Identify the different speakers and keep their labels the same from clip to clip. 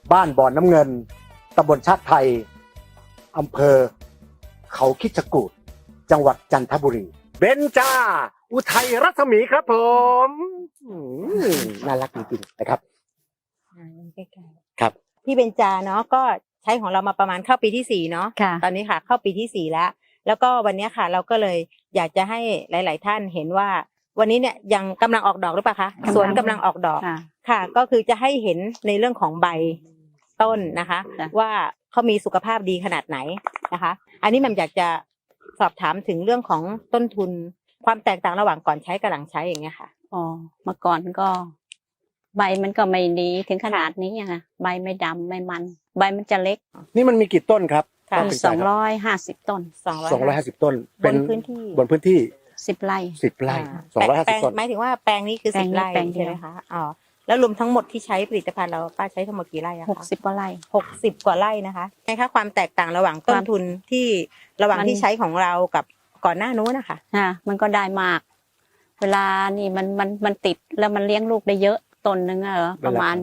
Speaker 1: บ้านบ่อนน้ำเงินตำบลชาติไทยอำเภอเขาคิชกูฏจังหวัดจันทบุรีเบญจาอุทัยรัศมีครับผมน่ารักจริงๆนะครับครับ
Speaker 2: พี่เบญจาเนาะก็ใช้ของเรามาประมาณเข้าปีที่ 4เนาะ
Speaker 3: ค่ะ
Speaker 2: ตอนนี้ค่ะเข้าปีที่ 4แล้วก็วันนี้ค่ะเราก็เลยอยากจะให้หลาย ๆ ท่านเห็นว่าวันนี้เนี่ยยังกำลังออกดอกหรือเปล่าคะสวนกำลังออกดอก
Speaker 3: ค่ะ
Speaker 2: ค่ะก็คือจะให้เห็นในเรื่องของใบต้นนะคะ
Speaker 3: จ้ะ
Speaker 2: ว่าเขามีสุขภาพดีขนาดไหนนะคะ อันนี้แหม่มอยากจะสอบถามถึงเรื่องของต้นทุนความแตกต่างระหว่างก่อนใช้กับหลังใช้อย่างเงี้ยค่ะ
Speaker 3: อ๋อเมื่อก่อนก็ ใบมันก็ไม่ดีถึงขนาดนี้อะค่ะใบไม่ดำไม่มัน ใบมันจะเล็ก
Speaker 1: นี่มันมีกี่ต้นครับ
Speaker 2: ค่ะ
Speaker 3: มี
Speaker 1: ป้าเบญจาครับ
Speaker 3: 250 ต้น
Speaker 1: 250 ต้น
Speaker 2: บนพื้นที่
Speaker 1: บนพื้นที่
Speaker 3: 10 ไร่
Speaker 1: 10 ไร่
Speaker 2: แปลง
Speaker 1: 250 ต้น
Speaker 2: หมายถึงว่าแปลงนี้คือ
Speaker 3: แปลง
Speaker 2: 10
Speaker 3: นี้
Speaker 2: ไร่
Speaker 3: แปลงเดียว
Speaker 2: ใช่ไหมคะอ๋อแล้วรวมทั้งหมดที่ใช้ผลิตภัณฑ์เราป้าใช้ทั้งหมดกี่ไร่อะคะ
Speaker 3: 60 กว่าไร่
Speaker 2: 60 กว่าไร่นะคะไงคะความแตกต่างระหว่างต้นทุนที่ระหว่าง
Speaker 3: มัน
Speaker 2: ที่ใช้ของเรากับก่อนหน้านู้นนะคะ
Speaker 3: มันก็ได้มาก เวลานี่มันติดแล้วมันเลี้ยงลูกได้เยอะต้นหนึงอะเหรอประมาณ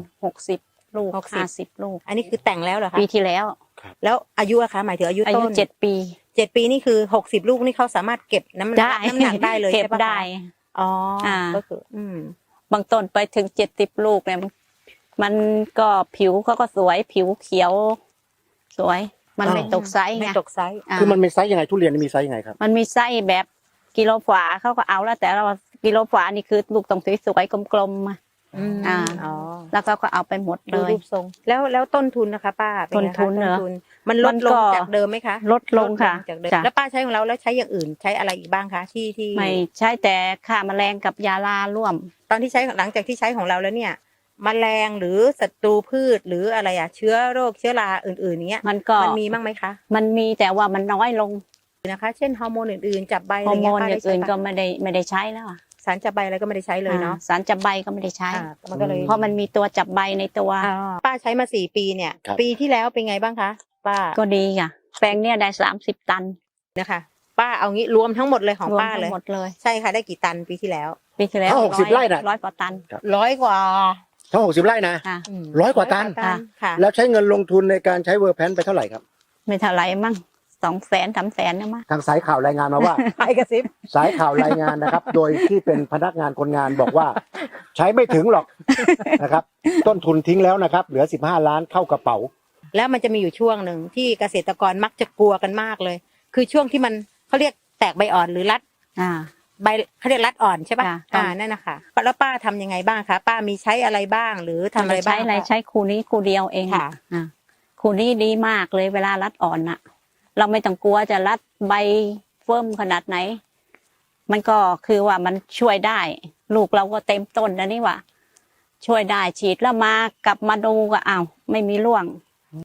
Speaker 3: 60 ลูก50 ลูก
Speaker 2: อันนี้คือแต่งแล้วเหรอคะ
Speaker 3: ปีที่แล้ว
Speaker 2: แล้วอายุอะคะหมายถึงอายุ
Speaker 3: อายุ
Speaker 2: ต้น
Speaker 3: 7 ปี
Speaker 2: 7 ปีนี่คือ60 ลูกนี่เขาสามารถเก็บน้ำหนักได้เลย
Speaker 3: เก็บ
Speaker 2: ใช่ปะคะ
Speaker 3: ได้
Speaker 2: อ๋ออา ก็คือ
Speaker 3: บางต้นไปถึง70 ลูกเนี่ยมันก็ผิวเขาก็สวยผิวเขียว สวย มันไม่ตกไซส์
Speaker 2: ไม่
Speaker 3: ไง
Speaker 2: ตกไซส์
Speaker 3: อ่า
Speaker 1: คือมันมีไซส์ยังไงทุเรียนมีไซส์ยังไงครับ
Speaker 3: มันมีไส้แบบกิโลฝาเขาก็เอาแล้วแต่เรากิโลฝานี่คือลูกต้องสวยๆกลมๆอะ อ่า
Speaker 2: อ๋อ
Speaker 3: แล้วเขาก็เอาไปหมดเล
Speaker 2: ดู
Speaker 3: ย
Speaker 2: รูปทรงแล้วต้นทุนนะคะป้าเป็ไงคะ
Speaker 3: ต้นทุนเหรอ
Speaker 2: มันล
Speaker 3: มั
Speaker 2: ด
Speaker 3: น
Speaker 2: ล
Speaker 3: ก็
Speaker 2: งจากเดิมไหมคะ
Speaker 3: ลดลงค่ะ
Speaker 2: จากเดิม
Speaker 3: จ้ะ
Speaker 2: แล้วป้าใช้ของเราแล้วใช้อย่างอื่นใช้อะไรอีกบ้างคะที่
Speaker 3: ไม่ใช่แต่ฆ่าแมลงกับยาลาร่วม
Speaker 2: ตอนที่ใช้หลังจากที่ใช้ของเราแล้วเนี่ยแมลงหรือศัตรูพืชหรืออะไรอะเชื้อโรคเชื้อราอื่นๆเนี้ย
Speaker 3: มันก็
Speaker 2: มันมีบ้างไหมคะ
Speaker 3: มันมีแต่ว่ามันน้อยลง
Speaker 2: นะคะ เช่นฮอร์โมนอื่นๆจับใบอะ
Speaker 3: ฮ
Speaker 2: ไร
Speaker 3: อร์โม
Speaker 2: เงี้ย
Speaker 3: น
Speaker 2: ป้า
Speaker 3: อ
Speaker 2: ได้
Speaker 3: ย่าง
Speaker 2: ใช้
Speaker 3: อื่นก็
Speaker 2: ปะ
Speaker 3: ไม่ได้ใช้แล้วอะ
Speaker 2: สารจับใบอะไรก็ไม่ได้ใช้เลยเนาะ
Speaker 3: สารจับใบก็ไม่ได้ใช้
Speaker 2: มันก็เลย
Speaker 3: เพราะมันมีตัวจับใบในตัว
Speaker 2: ป้าใช้มา4 ปีเนี่ย
Speaker 1: ครับ
Speaker 2: ปีที่แล้วเป็นไงบ้างคะป้า
Speaker 3: ก็ดีค่ะแปลงเนี่ยได้30 ตัน
Speaker 2: นะคะป้าเอางี้รวมทั้งหมดเลยของ
Speaker 3: รวม
Speaker 2: ป้า
Speaker 3: ทั้
Speaker 2: เลย
Speaker 3: งหมดเลย
Speaker 2: ใช่ค่ะได้กี่ตันปีที่แล้ว
Speaker 3: ปีที่แล้ว
Speaker 1: ถ้า60 ไร่น่ะ
Speaker 3: 100 กว่าตัน
Speaker 2: 100 กว่า
Speaker 1: ทั้ง60 ไร่นะ
Speaker 3: ค่ะ
Speaker 1: 100 กว่าตัน
Speaker 2: ค่ะ
Speaker 1: แล้วใช้เงินลงทุนในการใช้เวอร์แพนไปเท่าไหร่ครับ
Speaker 3: ไม่เท่าไหร่มั่ง200,000 300,000นะมั้ง
Speaker 1: ทางสายข่าวรายงานมาว่า
Speaker 2: ไปกระซิบ
Speaker 1: สายข่าวรายงานนะครับ โดยที่เป็นพนักงานคนงานบอกว่า ใช้ไม่ถึงหรอกนะครับ ต้นทุนทิ้งแล้วนะครับ เหลือ15 ล้านเข้ากระเป๋า
Speaker 2: แล้วมันจะมีอยู่ช่วงหนึ่งที่เกษตรกรมักจะกลัวกันมากเลย คือช่วงที่มันเขาเรียกแตกใบอ่อนหรือรัด
Speaker 3: อ่า
Speaker 2: ใบเขาเรียกรัดอ่อนใช่ปะ
Speaker 3: ค่ะ
Speaker 2: นั่นนะคะแล้วป้าทำยังไงบ้างคะป้ามีใช้อะไรบ้างหรือทำอะไรบ้าง
Speaker 3: ใช้อะไรใช้คูนี้คูเดียวเอง
Speaker 2: ค่ะ
Speaker 3: อ่าคูนี้ดีมากเลยเวลารัดอ่อนน่ะ เราไม่ต้องกลัวจะรัดใบเฟิ่มขนาดไหน มันก็คือว่ามันช่วยได้ ลูกเราก็เต็มต้นแล้วนี่หว่าช่วยได้ฉีดแล้วมากลับมาดูก็อ้าวไม่มีร่วง